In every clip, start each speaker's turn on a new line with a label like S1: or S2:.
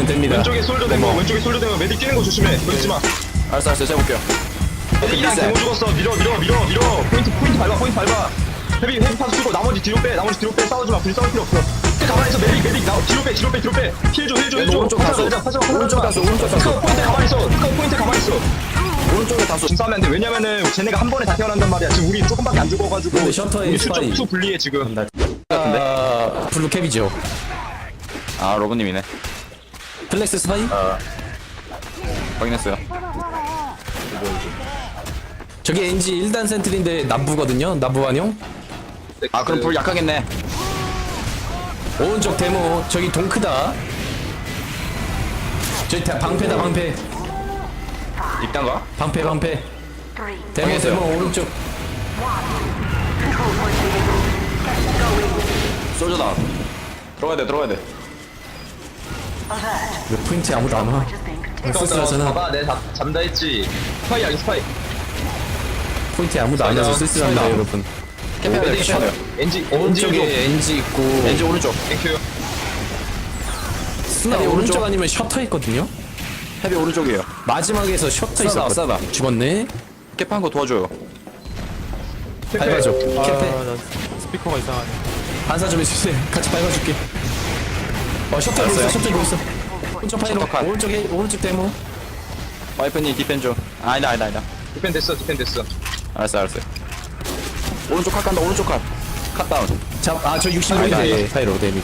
S1: 됩니다.
S2: 왼쪽에 솔저 된 거, 왼쪽에 솔저 된 거. 메딕 뛰는 거 조심해. 그러지 마.
S3: 알았어 제가 볼게요.
S2: 메딕이랑 데모 죽었어. 밀어. 포인트 밟아. 헤비 파스 쓰고 나머지 뒤로 빼. 싸우지 마. 굳이 싸울 필요 없어. 가만히 있어. 메딕 나 뒤로 빼. 힐 줘.
S3: 오른쪽 다수. 오른쪽 다수.
S2: 포인트 가만히 있어.
S3: 오른쪽에 다수.
S2: 지금 싸우면 안 돼. 왜냐면은 쟤네가 한 번에 다 태어난단 말이야. 지금 우리 조금밖에 안 죽어가지고
S1: 근데 셔터에
S2: 우리
S1: 스파이.
S2: 투 불리해 지금.
S1: 아, 블루캡이죠.
S3: 아 로그님이네.
S1: 플렉스 스파이?
S3: 확인했어요.
S1: 저기 NG 1단 센트리인데 남부거든요. 남부 환영.
S3: 아 그럼 불 약하겠네.
S1: 오른쪽 데모. 저기 동크다. 저기 방패다 방패.
S3: 입단가?
S1: 방패. 데모
S3: 확인했어요.
S1: 오른쪽.
S3: 솔저다. 들어가야 돼.
S1: 왜 포인트 아무도 안 와? 쓸쓸하잖아.
S2: 봐봐, 내가 잠다 했지. 스파이.
S1: 포인트 아무도 안 와서 쓸쓸합니다 여러분.
S3: 캐피하네요.
S2: NG
S1: 오른쪽에 NG 있고
S3: 왠지 오른쪽.
S2: 땡큐.
S1: 스나
S3: 헤비
S1: 오른쪽
S3: 오른쪽.
S1: 아니면 셔터 있거든요.
S3: 헤비 오른쪽이에요.
S1: 마지막에서 셔터
S3: 싸다,
S1: 있었거든.
S3: 싸다.
S1: 죽었네.
S3: 캐피한 거 도와줘요.
S1: 밟아줘. 캐페.
S4: 나 스피커가 이상하네.
S1: 반사 좀 해주세요. 같이 밟아줄게. 셔터 보고 있어. 셔터 보고 있어. 오른쪽 파이로.
S3: 셔터 컷.
S1: 오른쪽 데모.
S3: 와이프님 디펜 좀. 아니다.
S2: 디펜 됐어.
S3: 알았어요. 오른쪽 컷 간다. 오른쪽 컷. 컷 다운.
S1: 저 60mm 파이로 데미.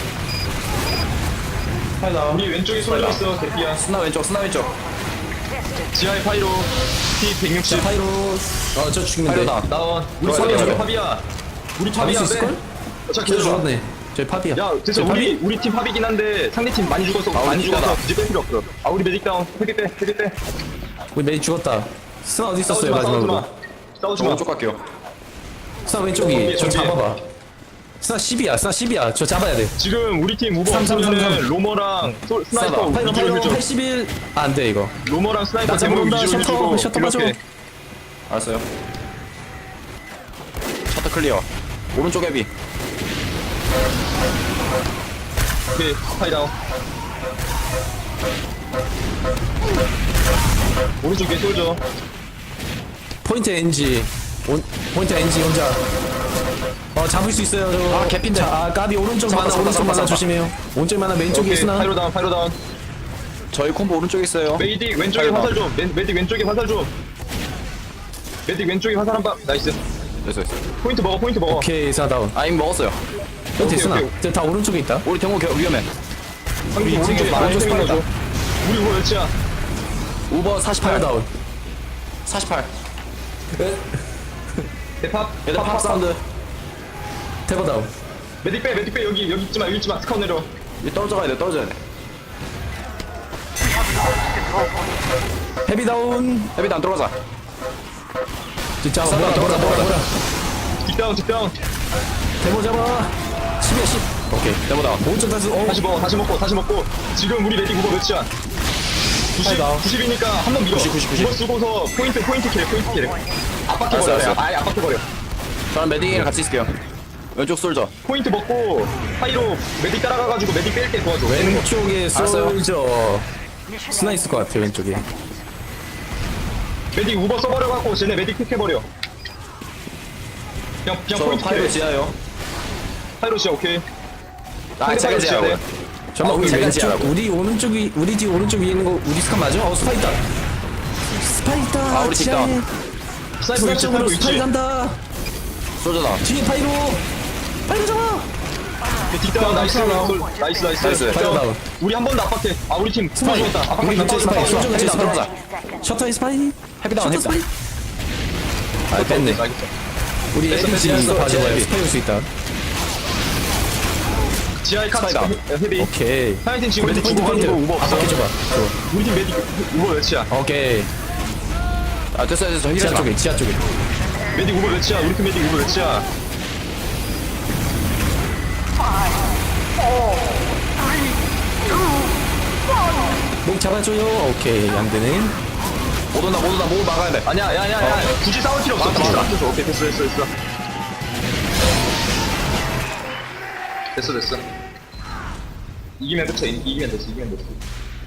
S2: 우리 왼쪽에 솔져 있어. 대피야.
S3: 스나 왼쪽.
S2: 지하에 파이로. T160.
S1: 파이로. 저 죽이면 돼.
S3: 파이로 다운.
S2: 다운. 우리
S1: 팝이야,
S2: 팝이야.
S1: 저거.
S2: 팝이야. 우리
S1: 잡을
S2: 팝이야.
S1: 수 있을걸?
S2: 자,
S1: 저
S2: 기다려.
S1: 죽었네. 저희 팝이야.
S2: 야, 됐어.
S1: 저희 팝이?
S2: 우리 팀 팝이긴 한데 상대 팀 많이 죽어서
S3: 우리 팀이다.
S2: 굳이 뺄 필요 없어. 우리 메딕 다운. 헤비 빼.
S1: 우리 메이 죽었다. 스나 어디
S2: 싸우지
S1: 있었어요
S2: 마.
S1: 마지막으로?
S2: 싸우지
S3: 저
S2: 마.
S3: 오른쪽 갈게요.
S1: 스나 왼쪽이. 저
S2: 저기.
S1: 잡아봐. 스나 10이야. 저 잡아야 돼.
S2: 지금 우리 팀 우버
S1: 3, 3, 3, 3.
S2: 없으면은 로머랑 스나이퍼
S1: 파이로
S2: 위주로 해줘.
S1: 81. 안 돼 이거.
S2: 로머랑 스나이퍼
S1: 나
S2: 제목
S1: 잡아온다.
S2: 위주로 해주고
S1: 셔터 맞아.
S2: 이렇게.
S3: 알았어요. 셔터 클리어. 오른쪽 헤비.
S2: 오케이. 파이 다운. 오른쪽에 쏠져.
S1: 포인트 NG. 포인트 NG 혼자. 잡을 수 있어요. 저.
S3: 개핀데.
S1: 까비 오른쪽
S3: 잡았다,
S1: 많아.
S3: 잡았다,
S1: 오른쪽 많아.
S3: 잡았다.
S1: 조심해요. 오른쪽 많아. 왼쪽에
S2: 오케이.
S1: 있으나.
S2: 파이로 다운.
S3: 저희 콤보 오른쪽에 있어요.
S2: 메딕 왼쪽에
S3: 파이로
S2: 화살 좀. 메딕 왼쪽에 화살 좀. 메딕 왼쪽에 화살 한 방. 나이스.
S3: 됐어.
S2: 포인트 먹어.
S1: 오케이 스나 다운.
S3: 아 이미 먹었어요.
S1: 포인트 있으나.
S2: 오케이.
S1: 다 오른쪽에 있다.
S3: 우리 경호 위험해.
S2: 형님 오른쪽에
S3: 지금
S2: 많이
S3: 오른쪽
S2: 생겨 줘.
S3: 스파이다.
S2: 우리 우버 몇이야?
S3: 우버 48.
S1: 파이로 다운.
S3: 48.
S2: 대팝.
S3: 얘들 팝 사운드.
S1: 테버 다운.
S2: 메딕 빼. 여기 있지 마. 스카웃 내려.
S3: 이 떨어져야 돼.
S1: 헤비 다운.
S3: 헤비도 안 들어가자.
S1: 진짜
S3: 싸다,
S1: 뭐라.
S2: 뒷다운.
S1: 데모 잡아. 10이야 10. 오케이.
S3: 데모다.
S1: 오른쪽 다수.
S2: 다시 먹고. 지금 우리 메딕 우버 몇이야? 90이니까 한 번 밀어.
S3: 90.
S2: 우버 쓰고서 포인트 킬. 압박해버려.
S3: 알았어.
S2: 아예 압박해버려.
S3: 저는 메딩이랑 같이 있을게요. 왼쪽 솔저.
S2: 포인트 먹고 파이로 메딕 따라가가지고 메딕 뺄 때 도와줘.
S1: 왼쪽에
S3: 알았어요.
S1: 솔저. 스나 있을 것 같아 왼쪽에.
S2: 메딕 우버 써버려갖고 쟤네 메딕 픽해버려. 그냥
S3: 저
S2: 포인트
S3: 파이로
S2: 킬.
S3: 지하요.
S2: 파이로 지야 오케이.
S3: 아 제가 지하고요.
S1: 잠깐만 우리
S3: 제가
S1: 왼쪽
S3: 지하라고.
S1: 우리 오른쪽이 우리 뒤 오른쪽 위에 있는 거 우리 스카 맞아? 스파 있다.
S3: 우리 뒷다.
S2: 스나이퍼 위치
S1: 쪽으로
S2: 파이로
S1: 스파이
S2: 위치.
S1: 간다.
S3: 솔저다.
S1: 뒤에 파이로 잡아.
S2: 뒷다운 나이스.
S3: 나이스.
S1: 파이로 다운.
S2: 우리 한 번도 압박해. 우리 팀
S1: 스파이.
S2: 죽었다. 압박해.
S1: 우리 밑에 스파이.
S2: 싸우지 마.
S1: 솔저가 제
S3: 헤비도 안
S1: 스파이.
S3: 들어가자.
S1: 셔터에 스파이.
S3: 헤비다운.
S1: 아 뺐네. 우리
S2: 됐어,
S1: 에디
S2: 됐어,
S1: 지하에서
S2: 됐어.
S1: 봐줘봐요.
S3: 헤비.
S1: 스파이 올 수 있다.
S2: 지하에 카트
S3: 스파이다.
S2: 헤비.
S1: 오케이.
S2: 하이틴 지금 메딕
S1: 포인트
S2: 죽어가지고 우버 없어.
S1: 압박해줘봐.
S2: 우리 팀 메딕 우버 몇이야?
S1: 오케이.
S3: 아 됐어. 힐
S1: 지하
S3: 하
S1: 쪽에 지하 쪽에.
S2: 메딕 우버 몇이야? 우리 팀 메딕 우버 몇이야?
S1: 목 잡아줘요. 오케이 안 되네.
S3: 못 온다. 못 막아야 돼.
S2: 아니야, 야. 굳이 싸울 필요 없어. 굳이 싸울 필요 없어. 오케이, 됐어. 됐어. 이기면 끝이야. 이기면 됐어. 이기면 됐어.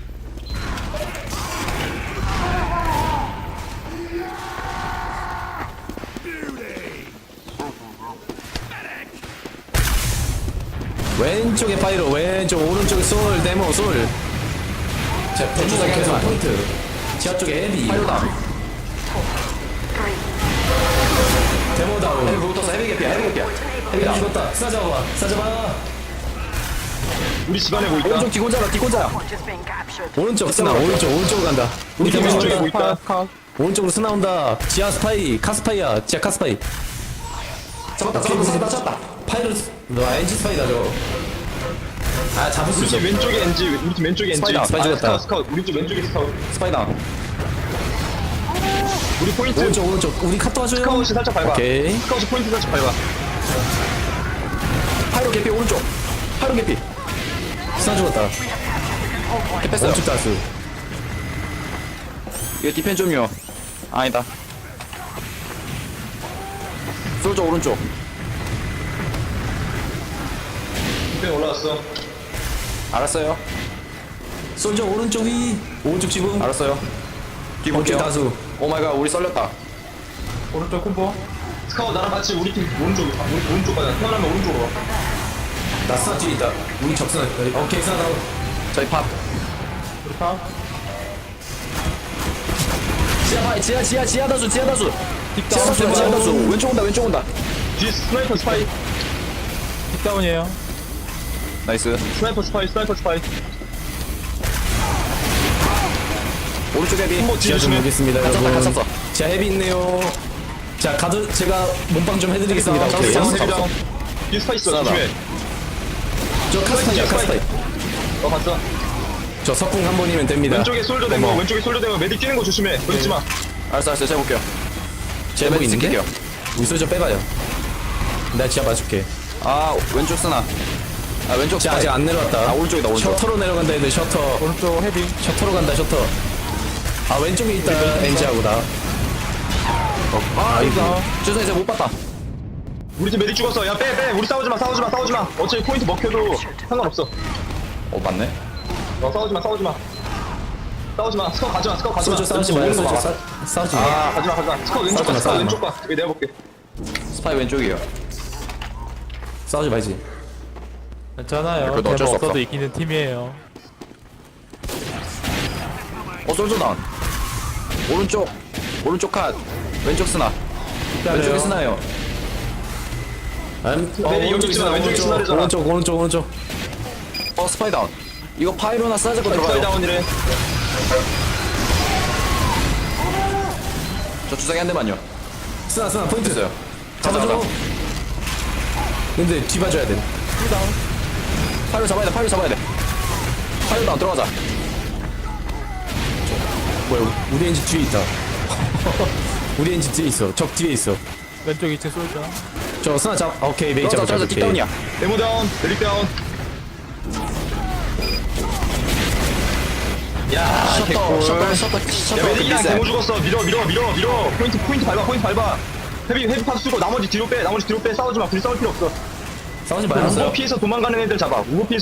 S1: 왼쪽에 파이로, 왼쪽, 오른쪽에 솔, 데모, 솔. 자, 대주사 계속 포인트. 지하 쪽에 헤비.
S3: 파이로다.
S1: 데모 다운.
S3: 헤비 붙었어. 헤비 개피야. 헤비 개피야.
S1: 헤비 죽었다. 싸잡아. 싸잡아.
S2: 우리 집안에 뭐 있다.
S3: 오른쪽 뒤곤자라. 뒤곤자야.
S1: 오른쪽 스나, 오른쪽으로 간다. 우리
S2: 우리
S1: 데모
S2: 왼쪽에 뭐
S1: 죽었다.
S2: 있다.
S1: 오른쪽으로 스나 온다. 지하 스파이, 카스파이야. 지하 카스파이. 잡았다. 파이로, 너 엔지 스파이다, 저거. 아, 잡을 수
S2: 우리
S1: 있어.
S2: 팀 왼쪽에 NG. 우리 팀 왼쪽에 NG.
S3: 스파이다,
S1: 스파이 죽었다.
S2: 스카우트. 우리 쪽 왼쪽에 스카우트.
S3: 스파이다.
S2: 우리 포인트.
S1: 오른쪽. 우리 카 도와줘요.
S2: 스카웃이 살짝 밟아.
S1: 오케이.
S2: 스카웃이 포인트 살짝 밟아.
S3: 파이로 개피 오른쪽. 파이로 개피.
S1: 스나 죽었다.
S3: 캡했어요.
S1: 오른쪽 다수.
S3: 이거 디펜 좀요. 아니다. 솔저 오른쪽.
S2: 디펜 올라왔어.
S3: 알았어요.
S1: 솔저 오른쪽 위. 오른쪽 지붕.
S3: 알았어요. 뒤
S1: 오른쪽
S3: 볼게요.
S1: 다수.
S3: 오마이갓 우리 썰렸다.
S2: 오른쪽 콤보. 스카웃 나랑 같이 우리 팀 오른쪽 가자. 태어나면 오른쪽으로 와.
S1: 나 스나 뒤에 있다. 우리 적스나. 오케이, 스나 다운.
S3: 저희 팝.
S2: 우리 파.
S3: 지하 다수. 지하 다수. 왼쪽 온다.
S2: 뒤에 스나이퍼 스파이.
S4: 킥다운이에요.
S3: 나이스.
S2: 스나이퍼 스파이.
S3: 오른쪽 헤비.
S2: 콤보 뒤에
S1: 지하 좀
S2: 조심해.
S1: 보겠습니다,
S3: 갇혔다,
S1: 여러분.
S3: 갇혔어.
S1: 지하 헤비 있네요. 자, 가드 제가 몸빵 좀 해드리겠습니다.
S3: 헤비
S1: 오케이.
S3: 다운,
S2: 헤비
S3: 잡았어.
S2: 다운. 뒤에 스파이 있어.
S3: 싸다.
S2: 조심해.
S1: 저 카스파이야, 카스파이.
S2: 봤어.
S1: 저 석궁 한 번이면 됩니다.
S2: 왼쪽에 솔저 데모. 왼쪽에 솔저 데모. 메딕 뛰는 거 조심해. 보이지 마.
S3: 알았어. 제가 볼게요.
S1: 제보
S3: 메딕
S1: 있는데?
S3: 쓸게요.
S1: 우리 솔저 빼봐요. 내가 지하 봐줄게.
S3: 아 왼쪽 쓰나. 아 왼쪽
S1: 지하 아직 안 내려왔다.
S3: 아 오른쪽이다 오른쪽.
S1: 셔터로 내려간다, 애들 셔터.
S4: 오른쪽 헤비.
S1: 셔터로 간다, 셔터. 아, 왼쪽에 있다, 엔지하고 나.
S3: 아 이거. 죄송해요 못 봤다.
S2: 우리 팀 메딕 죽었어. 야, 빼. 우리 싸우지 마. 어차피 포인트 먹혀도 상관없어.
S3: 맞네.
S2: 싸우지 마. 스카웃 가지 마.
S1: 솔저 싸우지 마요,
S2: 오는 거
S1: 솔저
S2: 막아.
S1: 싸우지 마.
S2: 아, 가지 마. 스카웃 왼쪽
S1: 싸우지 마,
S2: 가.
S1: 싸우지
S2: 왼쪽 가. 여기 내가 볼게.
S3: 스파이 왼쪽이에요.
S1: 싸우지 말지.
S4: 괜찮아요.
S3: 그래도 어쩔 수
S4: 데모
S3: 없어.
S4: 없어도 이기는 팀이에요.
S3: 솔저 다운. 오른쪽 컷. 왼쪽 쓰나. 왼쪽에 쓰나요.
S2: 네, 여기 있지마, 왼쪽에 스나르잖아.
S1: 오른쪽.
S3: 스파이 다운. 이거 파이로나 싸잡고
S2: 스카웃
S3: 들어가요.
S2: 다운이래.
S3: 저 주사기 한 대만요.
S1: 스나 포인트.
S3: 됐어요.
S1: 잡아줘.
S3: 가자.
S1: 근데 뒤봐줘야 돼.
S3: 파이로 잡아야 돼. 파이로 다운 들어가자.
S1: 뭐야, 우리 엔지 뒤에 있다. 우리 엔지 뒤에 있어. 적 뒤에 있어.
S4: 왼쪽 2층 쏠자.
S1: 저 스나 잡. 오케이, 메이
S3: 들어가자.
S1: 잡아.
S3: 뒷다운이야.
S2: 데모 다운. 메딕 다운. 야,
S3: 셔터
S2: 야, 메딕이랑
S3: 비싸.
S2: 데모 죽었어. 밀어. 포인트 밟아. 헤비 파스 쓰고 나머지 뒤로 빼. 싸우지 마. 굳이 싸울 필요 없어.
S1: 싸우지
S2: 우버
S1: 말았어요.
S2: 피해서 도망가는 애들 잡아.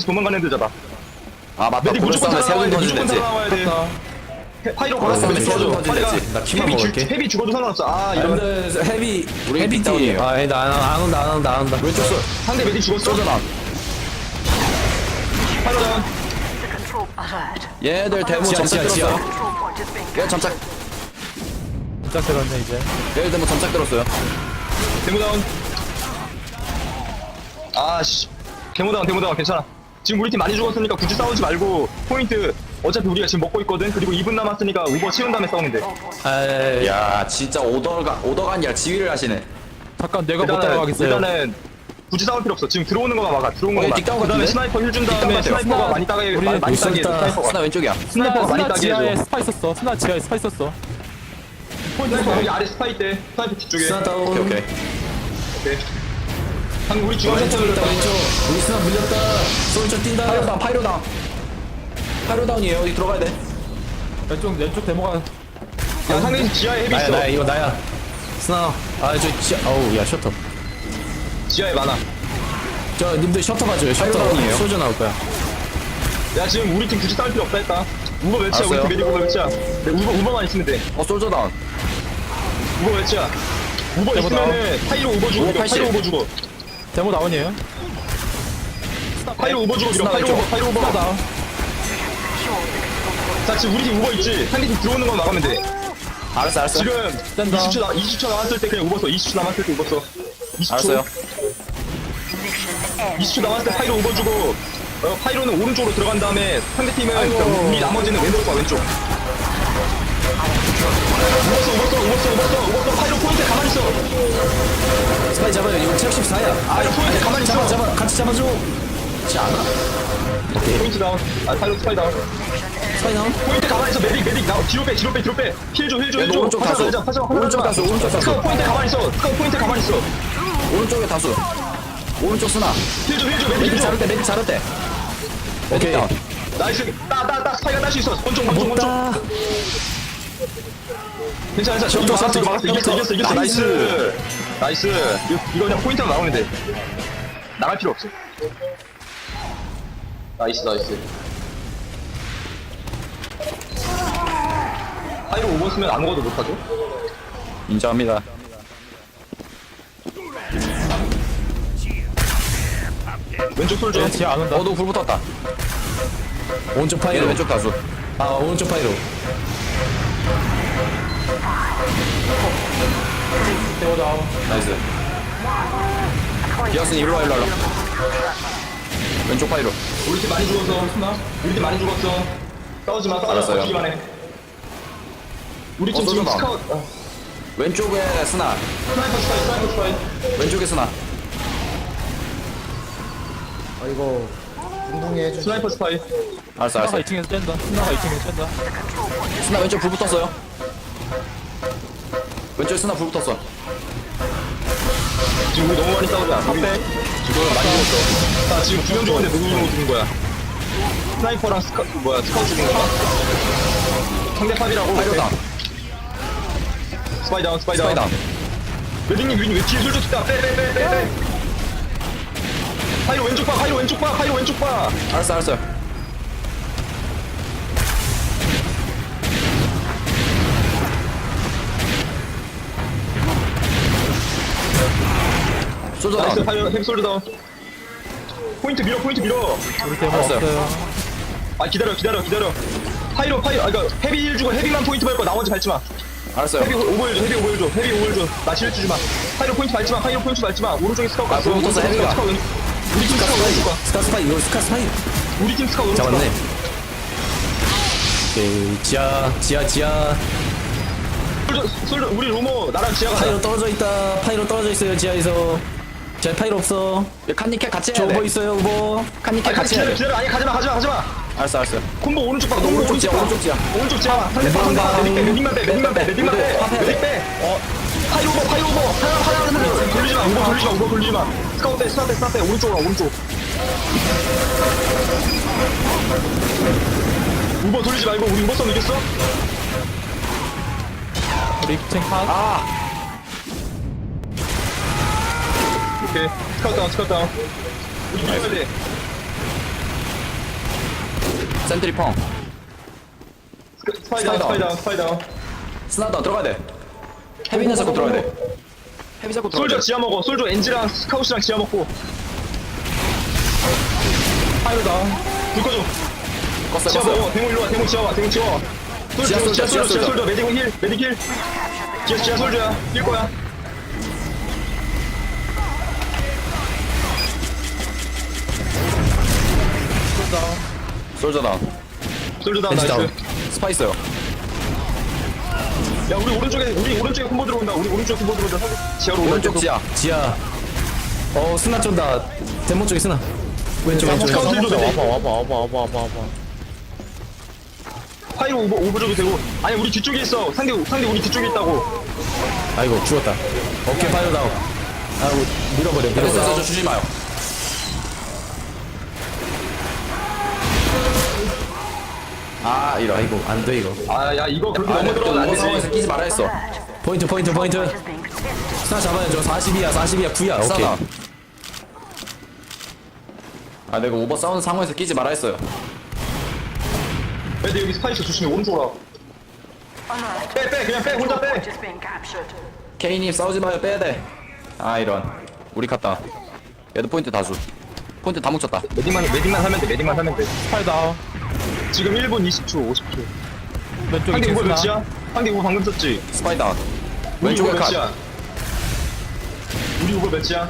S3: 아 맞다.
S2: 메딕
S3: 고를
S2: 무조건
S3: 싸움에 세운
S2: 살아남아야 돼.
S3: 던질
S2: 무조건
S3: 냈지.
S2: 살아남아야 돼. 파이로 걸었어.
S3: 싸움에
S2: 메딕
S3: 세운
S2: 죽어도.
S3: 던질
S2: 파이가
S3: 냈지.
S1: 나 키만 먹을게.
S2: 헤비 죽어도 상관없어. 아, 이러면
S1: 근데 헤비
S3: 우리
S1: 헤비
S3: 뒷다운이에요.
S1: 팀. 아, 나안 온다.
S3: 왼쪽 쏠.
S2: 상대 메딕 죽었어.
S3: 솔저 다운.
S2: 파이로 다운.
S3: 얘들 데모
S1: 지하,
S3: 점착
S1: 지하.
S3: 들었어. 얘 점착.
S4: 진짜 들었네 이제.
S3: 얘들 데모 점착 들었어요.
S2: 데모 다운. 아씨. 데모 다운 괜찮아. 지금 우리 팀 많이 죽었으니까 굳이 싸우지 말고 포인트 어차피 우리가 지금 먹고 있거든. 그리고 2분 남았으니까 우버 채운 다음에 싸우면 돼.
S1: 아,
S3: 야 진짜 오더가 아니라 지휘를 하시네.
S4: 잠깐 내가 못 따라가겠어요.
S2: 일단은 굳이 싸울 필요 없어. 지금 들어오는 거만 막아.
S3: 뒷다운
S2: 그다음에
S3: 같은데?
S2: 스나이퍼 힐 준 다음에
S3: 뒷다운
S2: 스나이퍼가
S3: 같아요.
S2: 많이 따게
S4: 우리
S2: 많이 따게 해줘.
S1: 있었다.
S2: 스나이퍼가.
S3: 스나 왼쪽이야.
S2: 스나이퍼가 많이
S4: 스나
S2: 따게
S4: 지하에
S2: 해줘.
S4: 스파 있었어. 스나 지하에 스파 있었어.
S2: 스나이퍼 여기 아래 스파 있대. 스나이퍼 뒤쪽에.
S1: 스나 다운.
S3: 오케이.
S2: 오케이. 방금 우리 중앙
S1: 왼쪽
S2: 센터
S1: 있다, 왼쪽. 우리 스나 물렸다. 솔저 뛴다.
S3: 파이로 다운이에요. 여기 들어가야 돼.
S4: 왼쪽 데모가
S2: 야, 상대 지하에 헤비 있어.
S1: 나야, 이거 나야. 스나. 아, 저 지하. 어우, 야, 셔터.
S2: 지하에 많아.
S1: 저 님들 셔터 봐줘요. 셔터.
S3: 다운이에요.
S1: 솔저 나올 거야.
S2: 야 지금 우리 팀 굳이 싸울 필요 없다 했다. 우버 몇이야? 우리
S3: 알았어요.
S2: 팀 메딕 우버 몇이야? 네, 우버만 있으면 돼.
S3: 솔저 다운.
S2: 우버 몇이야? 우버
S4: 데모
S2: 있으면은 파이로 우버 주고
S3: 우버
S2: 밀어.
S3: 80.
S2: 파이로 우버 주고.
S4: 데모 다운이에요.
S2: 파이로 우버 주고 밀어. 파이로 우버. 파이로 우버.
S4: 다운.
S2: 자 지금 우리 팀 우버 있지? 상대 팀 들어오는 건 막으면 돼.
S3: 알았어.
S2: 지금
S4: 뗀다.
S2: 20초 남았을 때 그냥 우버 써. 20초 남았을 때 우버 써. 20초.
S3: 알았어요.
S2: 20초 남았을 때 파이로 우버 주고 파이로는 오른쪽으로 들어간 다음에 상대팀은 그러니까 우리 나머지는 왼쪽으로 가 왼쪽. 우버 파이로 포인트 가만히 있어.
S1: 스파이 잡아요. 이거 체력 14야.
S2: 파이로 포인트 가만히 있어.
S1: 잡아. 같이 잡아줘. 지 않아.
S2: 포인트 다운. 파이로 스파이 다운.
S1: 스파이 나온?
S2: 포인트 가만히 있어. 메딕 나 뒤로 빼. 힐 줘.
S3: 오른쪽 다수. 오른쪽 다수.
S2: 스카우 포인트 가만히 있어.
S3: 오른쪽에 다수. 오른쪽 쓰나.
S2: 힐 줘.
S1: 메딕
S2: 메딕 줘.
S1: 자를 때, 메딕 자를 때. 오케이.
S3: 다운.
S2: 나이스. 스파이가 딸 수 있어. 권총.
S1: 못다.
S2: 괜찮아. 저기 막았어. 이겼어. 나이스. 이거 그냥 포인트만 나오면 돼. 나갈 필요 없어. 나이스. 파이로 오버 쓰면 아무것도 못하죠?
S3: 인정합니다.
S2: 왼쪽 솔져.
S4: 얘 지하 안 온다.
S3: 너 불 붙었다.
S1: 오른쪽
S3: 얘는
S1: 파이로.
S3: 왼쪽 다수.
S1: 아, 오른쪽 파이로.
S4: 데모 다운.
S3: 나이스. 기어스니 일로와. 왼쪽 파이로.
S2: 우리 팀 많이 죽었어. 싸우지 마.
S3: 알았어요.
S2: 버티기만 해. 우리 팀 지금
S3: 쏘지 마.
S2: 스카웃.
S3: 왼쪽에 쓰나.
S2: 스나이퍼 스파이.
S3: 왼쪽에 쓰나.
S5: 이거 궁둥이 해주시.
S2: 스나이퍼 스파이.
S3: 알았어.
S4: 스나가 2층에서 뗀다. 스나가 2층에서 뗀다.
S3: 쓰나 왼쪽 불 붙었어요. 왼쪽에 쓰나 불 붙었어.
S2: 지금 우리 너무 많이 싸우자. 지금 많이 죽었어. 나 지금 2명 죽었는데 누구 죽은 거야? 스나이퍼랑 스카웃 죽은 거야? 상대 팝이라고.
S3: 파이로 다운.
S2: 스파이 다운.
S3: 스파이 다운.
S2: 웨딩님 왜 뒤에 술좀 튀다. 빼. 파이로 왼쪽 봐.
S3: 알았어. 솔저
S2: 나이스.
S3: 다운.
S2: 파이로 햄솔드 다운. 포인트 밀어.
S4: 우리 데모
S3: 알았어요.
S4: 없어요.
S2: 아 기다려. 파이로. 그러니까 헤비 힐 주고 헤비만 포인트 밟고 나머지 밟지 마.
S3: 알았어요.
S2: 헤비 오버 줘. 나 실 주지 마. 파이로 포인트 밟지 마. 오른쪽에 스카웃 갔어.
S3: 불 붙었어, 헤비가.
S2: 우리 팀 스카웃 왼쪽 봐.
S1: 스카 스파이, 이거 스카 스파이.
S2: 우리 팀 스카웃 오른쪽 봐.
S1: 잡았네. 오케이. 지하.
S2: 솔저 우리 로모 나랑 지하가
S1: 파이로 떨어져 있다. 파이로 떨어져 있어요, 지하에서. 지하 파이로 없어.
S3: 칸니캡 같이
S1: 저
S3: 해야
S1: 오버
S3: 돼.
S1: 있어요, 오버.
S3: 칸니캡 같이 해야 돼.
S2: 기다려. 아니 가지마.
S3: 알았어.
S2: 콤보 오른쪽 봐. 너무
S3: 오른쪽 지하,
S2: 봐.
S3: 오른쪽 지하.
S2: 오른쪽 지하. 메딕만 빼. 메딕 빼. 파이로 오버. 하나 돌리지 마. 스카웃 빼. 오른쪽으로 와, 오른쪽. 우버 돌리지 말고 우리 우버 싸움 이겼어?
S4: 우리 2층 칸.
S2: 오케이. 스카웃 다운. 우리 밀어야 돼.
S3: 센트리 펑.
S2: 스파이 다운.
S3: 스나 다운 들어가야 돼. 헤비는 잡고 들어가야 돼. 헤비 잡고 들어가야
S2: 솔저
S3: 돼.
S2: 지하 먹어. 솔저 엔지랑 스카웃이랑 지하 먹고.
S4: 파이로 다운.
S2: 불 꺼줘.
S3: 껐어요.
S2: 지하 먹어. 대모 일로 와. 대모 지하 와.
S3: 지하 솔저.
S2: 솔저. 메딕 힐. 지하 솔저야. 뛸 거야.
S3: 솔저 다운.
S2: 솔저 다운
S1: 엔지
S2: 나이스.
S3: 스파 있어요.
S2: 야 우리 오른쪽에 콤보 들어온다. 지하로 온다.
S3: 오른쪽 지하.
S1: 지하. 스나 쫀다. 데모 쪽에 스나. 왼쪽.
S2: 스카웃 힐 줘도 돼.
S4: 와봐.
S2: 파이로 오버 줘도 되고. 아니 우리 뒤쪽에 있어. 상대 우리 뒤쪽에 있다고.
S1: 아이고, 죽었다. 오케이, 파이로 다운. 밀어버려.
S3: 됐어. 주지 마요. 이런.
S1: 아이고, 안 돼, 이거.
S2: 야 이거 그렇게 너무 들어가면 안
S3: 오버 상황에서
S2: 되지.
S3: 끼지 말아 했어.
S1: 포인트. 스나 잡아야죠. 40이야, 9야. 오케이.
S3: 싸다. 내가 오버 싸우는 상황에서 끼지 말아 했어요.
S2: 애들 여기 스파이스 조심해 오른쪽으로 빼 그냥 빼 혼자 빼
S6: Just being captured.
S3: 케이님 싸우지 마요 빼야 돼. 아 이런. 우리 갔다. 얘도 포인트 다수. 포인트 다 뭉쳤다.
S2: 매딩만 하면 돼 매딩만 하면 돼
S4: 스파이 다운.
S2: 지금 1분 20초 50초
S4: 왼쪽에
S2: 상대 우버
S4: 잭스나.
S2: 몇이야? 상대 우버 방금 썼지?
S3: 스파이 다운.
S2: 우리
S3: 왼쪽에
S2: 우버
S3: 컷.
S2: 몇이야? 우리 우버 몇이야?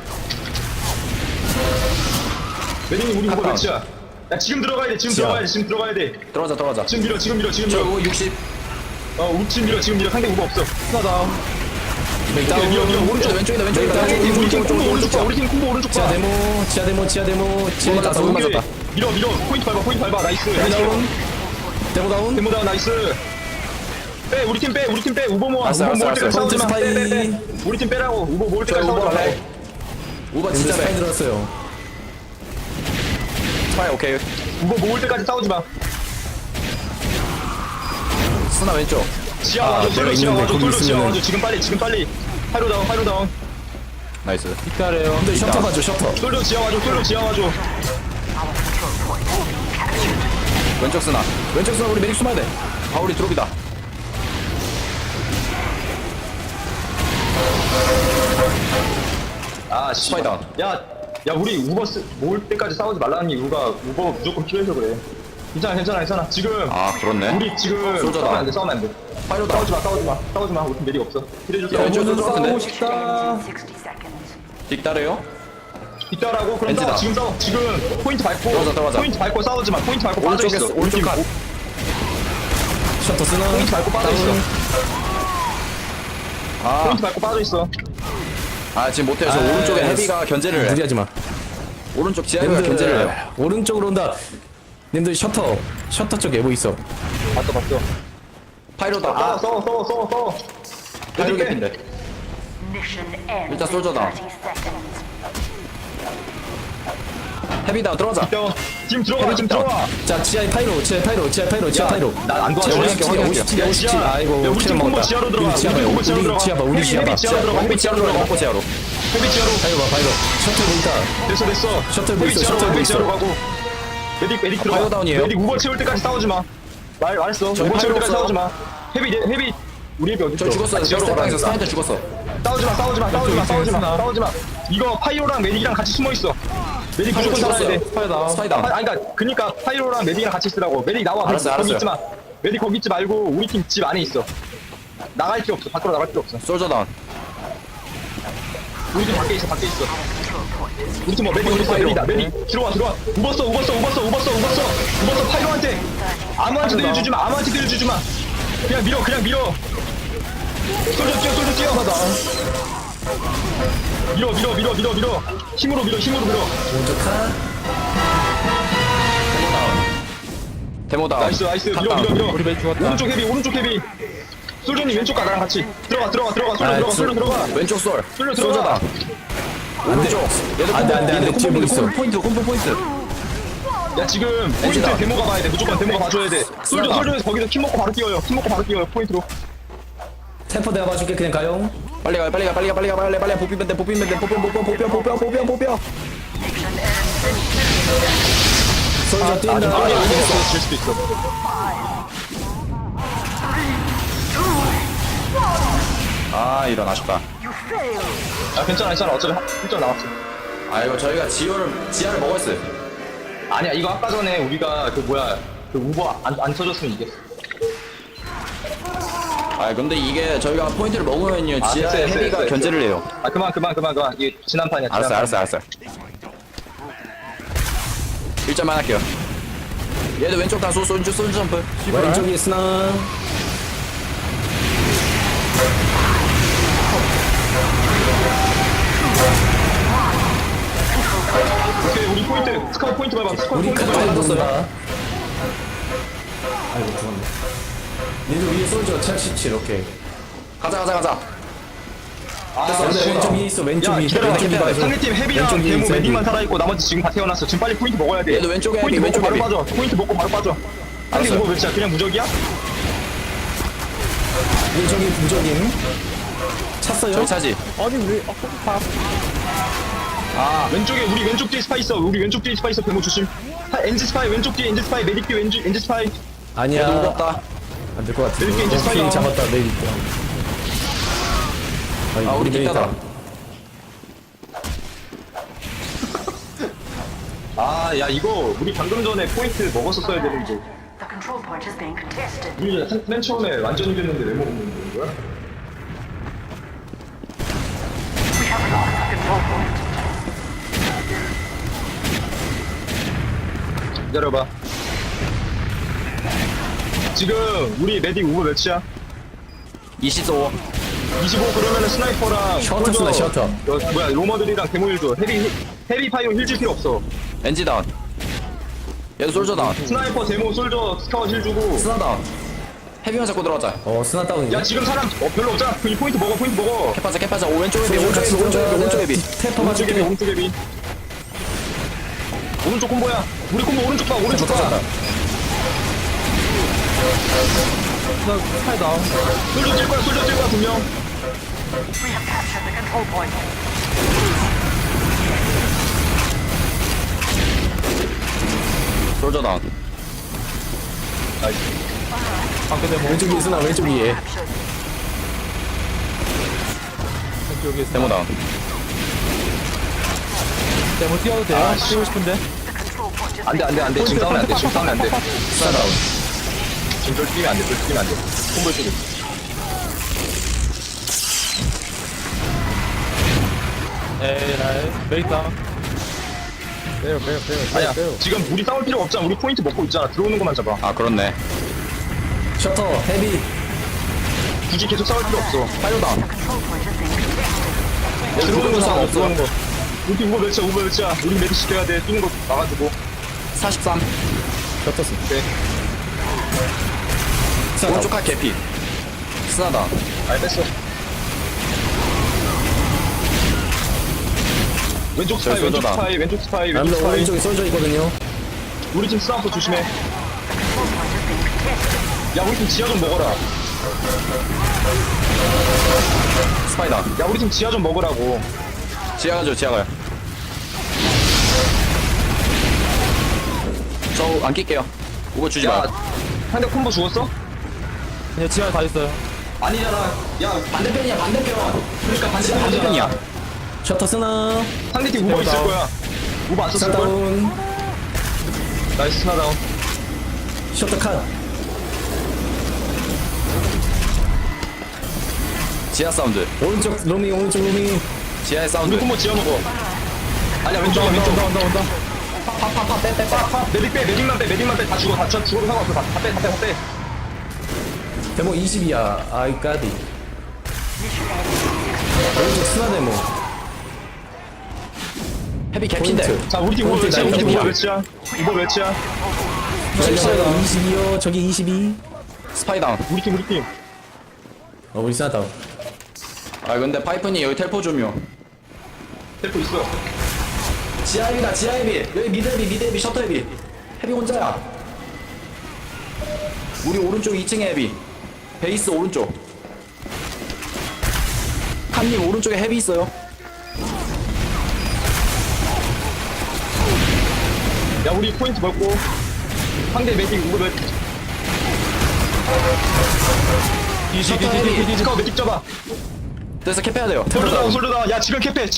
S2: 매딩님 우리 우버
S3: 컷.
S2: 몇이야? 야 지금 들어가야 돼 지금
S1: 지하.
S2: 들어가야 돼 지금 들어가야 돼
S3: 들어가자.
S2: 지금 밀어 지금 밀어 지금
S3: 저
S2: 밀어
S3: 60.
S2: 우리 지금 밀어 상대 우버 없어
S4: 스나 다운.
S2: 오케이, 밀어 오른쪽
S3: 왼쪽이다.
S2: 상대 팀 우리 팀 콤보 오른쪽 봐 우리 팀 콤보 오른쪽
S1: 지하
S2: 봐
S1: 데모 지하
S3: 맞았다,
S1: 다운
S3: 맞았다.
S2: 밀어 포인트 밟아 나이스
S1: 데모 다운
S2: 데모 다운 나이스 빼 우리 팀 빼 우버 모아
S3: 알았어,
S2: 우버 모을
S3: 알았어,
S2: 때까지 싸우지 마
S1: 스파이.
S2: 빼 우리 팀 빼라고 우버 모을
S3: 저
S2: 때까지 싸우지
S3: 우버
S2: 말라고
S3: 할래. 우버
S1: 근데
S3: 진짜
S1: 스파이
S3: 돼.
S1: 들었어요
S3: 스파이 오케이.
S2: 우버 모을 때까지 싸우지 마
S3: 스나 왼쪽.
S2: 지하 와줘 솔로
S1: 내가
S2: 지하
S1: 있는데
S2: 와줘
S1: 거기
S2: 솔로 지하
S1: 있으면은-
S2: 와줘 지금 빨리 하이로 다운
S3: 나이스.
S4: 뒷가래요.
S1: 근데 셔터 봐줘 셔터
S2: 솔로 지하 와줘
S3: 왼쪽 스나. 왼쪽 스나 우리 메릭 숨어야 돼. 아 우리 드롭이다.
S2: 아
S3: 스파이 다운.
S2: 야 우리 우버 모을 때까지 싸우지 말라는 이유가 우버 무조건 필요해서 그래 괜찮아 지금
S3: 아 그렇네.
S2: 우리 지금
S3: 솔저다.
S2: 싸우면 안돼
S3: 파이로 다운.
S2: 싸우지 마 우리 팀 매력 없어 필요해줄
S3: 야, 왼쪽
S2: 사람
S3: 왼쪽
S4: 싸우고
S3: 같은데.
S4: 싶다.
S6: 60 seconds.
S3: 뒷다래요?
S2: 있다라고 그럼
S3: 렌즈다.
S2: 싸워 지금 포인트 밟고
S3: 들어가자.
S2: 포인트 밟고 싸우지 마 포인트 밟고
S3: 오른쪽에
S2: 빠져있어
S3: 오른쪽 칸.
S1: 셔터 쓰나
S2: 포인트 밟고 빠져있어
S3: 아,
S2: 포인트 밟고 빠져있어
S3: 아 지금 못해요. 저
S1: 아,
S3: 오른쪽에
S1: 아,
S3: 헤비가 견제를 해.
S1: 무리하지 마
S3: 오른쪽 지하가 견제를 해요.
S1: 오른쪽으로 온다 님들 셔터 쪽 에보 있어
S2: 봤어
S3: 파이로다.
S2: 싸워
S3: 아,
S2: 싸워
S3: 파이로 개핀데.
S6: Mission ends
S3: 일단
S6: in
S3: 솔저다.
S6: 30 seconds.
S3: 헤비다 들어가자.
S2: 지금 들어가
S1: 자 지하에 파이로
S2: 난안 도와줘.
S1: 57 아이고
S2: 야, 우리 팀 콤보
S1: 먹었다.
S2: 지하로 들어가.
S1: 우리 지하 봐요
S2: 우리 팀
S1: 우리 지하 봐 우리 지하 봐
S2: 헤비 지하로 들어가.
S3: 헤비 지하로 들어가. 먹고 지하로.
S2: 헤비 지하로.
S1: 파이로 봐 파이로 셔터 보인다
S2: 됐어.
S1: 셔틀 보이소,
S2: 헤비 지하로
S1: 셔틀
S2: 헤비
S1: 보이소.
S2: 지하로 가고. 메딕 들어가.
S3: 파이어 다운이에요.
S2: 메딕 우버 채울 때까지 싸우지 마. 말했어.
S3: 저희
S2: 우버 채울
S3: 파이어
S2: 때까지
S3: 없어요.
S2: 싸우지 마. 헤비 우리 헤비 어디
S3: 저
S2: 있어?
S3: 죽었어요.
S2: 지하로
S3: 스텝방에서
S2: 가라니까.
S3: 스나한테 죽었어.
S2: 싸우지 마. 이거 파이로랑 메딕이랑 같이 숨어 있어. 메딕 무조건 살아야 돼.
S4: 스파이 다운.
S3: 스파이다.
S2: 아니 그니까 파이로랑 메딕이랑 같이 있으라고. 메딕 나와.
S3: 알았어,
S2: 거기
S3: 알았어요.
S2: 있지 마. 메딕 거기 있지 말고 우리 팀 집 안에 있어. 나갈 필요 없어. 밖으로 나갈 필요 없어.
S3: 솔저 다운.
S2: 우리 팀 밖에 있어. 우리 팀 뭐 메딕 우리 메딕이다. 메딕 들어와. 우버써 파이로한테 아무한테 내려주지 마. 그냥 밀어. 솔져 뛰어. 밀어. 힘으로 밀어.
S3: 데모 다운.
S2: 나이스. 밀어.
S4: 우리 맨 죽었다.
S2: 오른쪽 헤비. 솔저님 왼쪽 가 나랑 같이. 들어가. 솔저 들어가.
S3: 왼쪽 솔.
S2: 솔저
S3: 솔저
S2: 들어가.
S3: 다운. 오른쪽. 얘도
S1: 안 돼, 뒤에 뭐 있어.
S3: 콤보 포인트.
S2: 야 지금 포인트
S3: 엔지다.
S2: 데모가 봐야 돼. 무조건 데모가 봐줘야 돼. 솔저에서 거기서 킴 먹고 바로 뛰어요. 포인트로.
S1: 템포 내가 봐줄게 그냥 가요
S3: 빨리 가. 보피면 돼. 보뼈.
S1: 솔저 뛴다
S2: 질 수도 있어.
S3: 아 이런 아쉽다.
S2: 아 괜찮아. 어차피 1점 남았어.
S3: 아 이거 저희가 지하를 먹었어요.
S2: 아니야 이거 아까 전에 우리가 그 우버 안 쳐줬으면 이겼어.
S3: 아 근데 이게 저희가 포인트를 먹으면요
S2: 아,
S3: 지하에
S2: 됐어.
S3: 헤비가 견제를 해요.
S2: 아 그만. 이게 지난 판이야.
S3: 알았어. 1점만 할게요. 얘도 왼쪽 다수 쏜주 점프.
S1: 왼쪽에 스나
S2: 오케이 우리 포인트 스카우트 포인트 밟아.
S1: 우리
S2: 포인트
S1: 카드
S2: 밟아.
S1: 받았어요 아이고 죽었네 니들 위에 솔저 77 오케이
S3: 가자.
S2: 아,
S1: 근데 왼쪽 위에 있어 왼쪽
S2: 야
S1: 위에
S2: 기다려.
S1: 왼쪽 위에 봐줘.
S2: 상대팀 헤비랑
S1: 왼쪽 위에
S2: 데모
S1: 있어,
S2: 메딕만
S1: 여기.
S2: 살아있고 나머지 지금 다 태어났어. 지금 빨리 포인트 먹어야 돼.
S3: 얘도 왼쪽에
S2: 포인트
S3: 헤비,
S2: 먹고
S3: 왼쪽
S2: 바로
S3: 헤비.
S2: 빠져. 포인트 먹고 바로 빠져. 상대
S3: 알았어요.
S2: 우버 몇이야? 그냥 무적이야?
S1: 왼쪽이 부적임 찼어요?
S3: 저희 차지.
S4: 아니 왜?
S2: 왼쪽에 우리 왼쪽 뒤에 스파이 있어. 데모 조심. 엔지 스파이 왼쪽 뒤에 엔지 스파이 메딕 뒤에 엔지 스파이.
S1: 아니야.
S3: 얘도 무겁다.
S1: 안 될 것 같아.
S2: 이렇게 이제
S1: 피
S2: 스파이더.
S1: 잡았다, 메리트.
S3: 아, 우리 기타다.
S2: 아, 야, 이거 우리 방금 전에 포인트 먹었었어야 되는데.
S6: The control point is being contested.
S2: 우리 맨 처음에 완전 이겼는데 왜 먹는 거야?
S6: We have lost the control point.
S2: 기다려봐. 지금 우리 메딕 오버 몇이야?
S3: 25.
S2: 25 그러면은 스나이퍼랑
S1: 셔터 쓰나, 셔터.
S2: 뭐야 로머들이랑 데모일도 헤비 파이어 힐줄 필요 없어.
S3: 엔지 다운. 얘도 솔저 다운.
S2: 스나이퍼 데모 솔저 스카웃 힐 주고.
S3: 스나 다운. 헤비만 잡고 들어가자.
S1: 스나 다운이네.
S2: 야 지금 사람 별로 없잖아. 이 포인트 먹어 포인트 먹어.
S3: 캐파자. 오른쪽 헤비, 오른쪽 헤비, 오른쪽 헤비.
S1: 테퍼
S2: 오른쪽
S1: 맞을게.
S2: 헤비 오른쪽 헤비. 오른쪽 콤보야. 우리 콤보 오른쪽 봐 오른쪽 봐.
S4: 나 스파이 다운.
S2: 솔저 찔 거야 분명.
S6: We have captured the control point.
S3: 솔저 다운.
S4: 방패 데모.
S1: 왼쪽 위에 쓰나, 왼쪽 위에.
S6: Captured.
S4: 왼쪽에 있어.
S3: 데모 다운.
S4: 데모 뛰어도 돼요? 뛰고 싶은데.
S6: The control point is
S2: 안돼 지금 싸우면 안돼 지금 싸우면 안돼.
S1: 스나 다운.
S2: 지금 절 뛰면 안돼 절 뛰면 안돼. 콤보 쪽에.
S4: 에라이. 메이트 다운.
S5: 빼요.
S2: 아니야 지금 우리 싸울 필요 없잖아. 우리 포인트 먹고 있잖아. 들어오는 것만 잡아.
S3: 아, 그렇네.
S1: 셔터, 헤비.
S2: 굳이 계속 싸울 필요 없어.
S3: 파이어 다운.
S6: the control point is being contested.
S2: 들어오는 거
S3: 싸움
S2: 싸워
S3: 없어.
S2: 들어오는 거. 우리 오버 몇이야. 우리 메디 시켜야 돼. 뛰는 거 막아주고.
S3: 43.
S1: 셔터 쓰.
S2: 오케이.
S1: 스나 다운.
S3: 오른쪽 칼 개피. 스나 다운.
S2: 아니 뺐어. 왼쪽 스파이 왼쪽
S3: 솔저다.
S2: 스파이 왼쪽 스파이 왼쪽
S1: 남자
S2: 스파이.
S1: 오른쪽에 솔져 있거든요.
S2: 우리 팀 스나퍼 조심해.
S6: Control point is being contested.
S2: 야 우리 팀 지하 좀 먹어라.
S3: 스파이 다운.
S2: 야 우리 팀 지하 좀 먹으라고.
S3: 지하 가죠, 지하 가요. 저 안 낄게요. 이거 주지
S2: 야
S3: 마요.
S2: 상대 콤보 죽었어?
S4: 그냥 지하에 다 있어요.
S2: 아니잖아. 야
S3: 반대편이야, 반대편.
S2: 그러니까
S3: 반대편이야.
S1: 셔터 쓰나.
S2: 상대 팀 우버 있을 거야. 우버 안
S1: 스나
S2: 썼을 걸?
S1: 다운.
S2: 나이스 스나 다운.
S1: 셔터 컷.
S3: 지하 사운드.
S1: 오른쪽 로밍.
S3: 지하의
S2: 우리
S3: 사운드.
S2: 콤보 지하 먹어. 아니야 왼쪽이야 왼쪽.
S4: 온다.
S2: 메딕만 빼. 다 죽어. 죽어도 상관없어. 다 빼.
S1: 데모 20이야. 아이 까디. 오른쪽 스나 데모.
S3: 헤비 개피인데.
S1: 포인트.
S2: 자 우리 팀 우버
S1: 포인트
S2: 몇이야? 우리 팀 우버
S1: 날리기야.
S2: 몇이야?
S1: 저기 22요. 저기 22.
S3: 스파이 다운.
S2: 우리 팀.
S1: 우리 스나 다운.
S3: 아, 근데 파이프니 여기 텔포 좀요.
S2: 텔포 있어.
S3: 지하 헤비다, 지하 헤비. 여기 미드 헤비, 셔터 헤비. 헤비 혼자야. 우리 오른쪽 2층에 헤비. 베이스 오른쪽. 칸님 오른쪽에 헤비 있어요.
S2: 야 우리 포인트 먹고. 상대 메딕 우버 몇?
S3: 셔터 헤비.
S2: 스카우 메딕 잡아.
S3: 그래서 캡해야 돼요.
S2: 솔드다. 야 지금 캡해.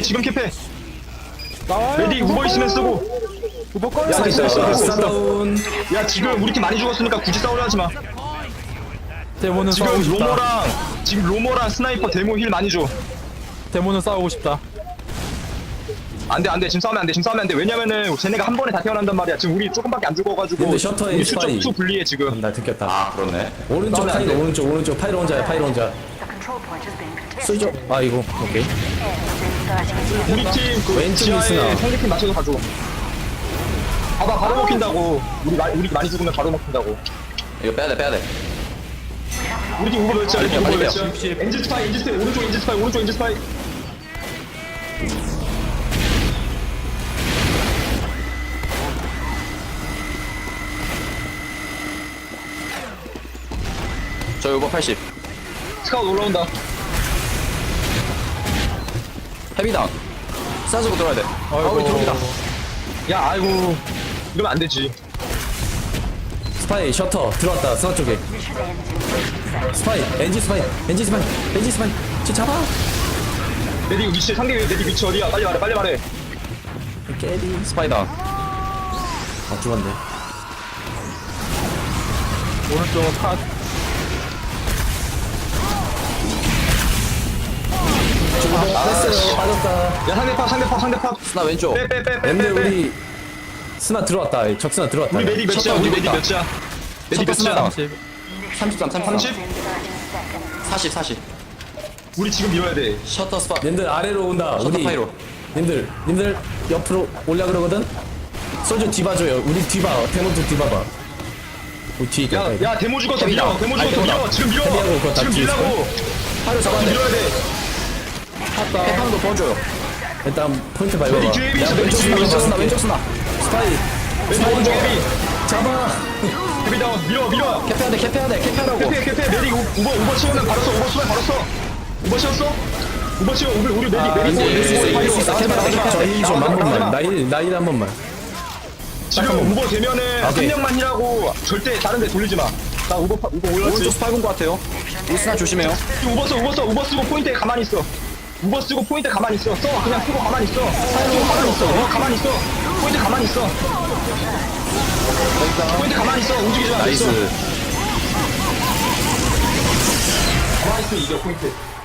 S2: 메딕 우버 있으면 쓰고.
S4: 우버 꺼내.
S2: 야 됐어.
S1: 스나 다운.
S2: 야 지금 우리 팀 많이 죽었으니까 굳이 싸우려 하지 마.
S4: 데모는 싸우고
S2: 지금
S4: 싶다.
S2: 로머랑 스나이퍼 데모 힐 많이 줘.
S4: 데모는 싸우고 싶다.
S2: 안돼 지금 싸우면 안돼. 왜냐면은 쟤네가 한 번에 다 태어난단 말이야. 지금 우리 조금밖에 안 죽어가지고
S1: 근데 셔터에
S2: 우리
S1: 스파이.
S2: 수적 불리해 지금.
S1: 나 듣겠다.
S3: 아, 그렇네.
S1: 오른쪽
S2: 싸우면 안
S1: 파이로
S2: 돼.
S1: 오른쪽 파이로 혼자야.
S6: The control point is being contested.
S1: 솔져. 아 이거 오케이.
S6: Within 30
S2: 우리 팀 그
S1: 왼쪽에
S2: 지하에
S1: 있으나.
S2: 상대팀 맞춰서 가줘. 봐봐 바로 먹힌다고. 우리 많이 죽으면 바로 먹힌다고.
S3: 이거 빼야 돼.
S2: 우리 팀 우버 몇이야? 우리 팀 우버
S3: 빨리
S2: 몇이야?
S3: 빼요.
S4: 60.
S2: 엔지 스파이 오른쪽 엔지 스파이.
S3: 저 요거 80.
S2: 스카웃 올라온다.
S3: 헤비 다운. 싸주고 들어야 돼. 우리 들어옵니다.
S2: 야 아이고 이러면 안 되지.
S1: 스파이 셔터 들어왔다 스나 쪽에 스파이 엔진 스파이 엔진 스파이 엔진 스파이 저 잡아
S2: 메딕 위치 상대 메딕 위치 어디야? 빨리 말해 빨리 말해.
S1: 깨리
S3: 스파이다.
S1: 아 죽었네
S4: 오른쪽은 컷.
S1: 됐어요 빠졌다
S2: 야 상대 팝.
S3: 스나 왼쪽.
S2: 빼빼빼빼.
S1: 근데 우리 스나 들어왔다 적스나 들어왔다
S2: 우리 메딕 몇이야? 우리 메딕 몇이야? 메딕
S3: 첫
S2: 몇이야?
S3: 33, 33.
S2: 30?
S3: 40, 40.
S2: 우리 지금 밀어야 돼.
S3: 셔터 스팟.
S1: 님들 아래로 온다
S3: 셔터
S1: 우리
S3: 파이로.
S1: 님들 옆으로 올라 그러거든 소주 뒤봐줘요 우리 뒤봐 대문도 뒤봐봐 우리 뒤에 있다
S2: 야 데모 죽었어 밀어. 데모 죽었어 밀어. 지금 밀어.
S1: 헤비하고 그거 다
S2: 지금
S1: 뒤에
S2: 밀라고.
S1: 파이로 잡아야 돼
S2: 밀어야 돼.
S3: 해방도 보여줘요.
S1: 일단 포인트 밟아봐
S2: 메딕 뒤에 헤비 있어.
S1: 야,
S2: 메딕
S1: 왼쪽
S2: 뒤에 헤비
S1: 스나
S2: 있어.
S1: 왼쪽 스나 스파이
S2: 왼쪽 오른쪽 헤비.
S1: 잡아
S2: 헤비 다운. 밀어.
S3: 캡해야 돼, 캡해야 돼, 캡해라고.
S2: 캐페 메딕 우버 치우면 바로 써. 우버 치우면 바로 써. 우버 치웠어? 우버 치워. 우리 메딕
S1: 저희 좀 한 번만 나일 한 번만
S2: 지금 우버 되면은 한
S1: 오케이.
S2: 명만 힐하고 절대 다른 데 돌리지 마. 나 우버 올랐지.
S3: 오른쪽 스파이 본것 같아요. 우리 스나 조심해요.
S2: 우버 쓰고 포인트에 가만히 있어. 우버 쓰고 포인트 가만히 있어. 써. 그냥 쓰고 가만히 있어. 쓰고 가만히 있어. 가만히 있어. 포인트 가만히 있어. 포인트 가만히 있어. 움직이지 마.
S3: 나이스.
S2: 가만히 있어. 이겨 포인트.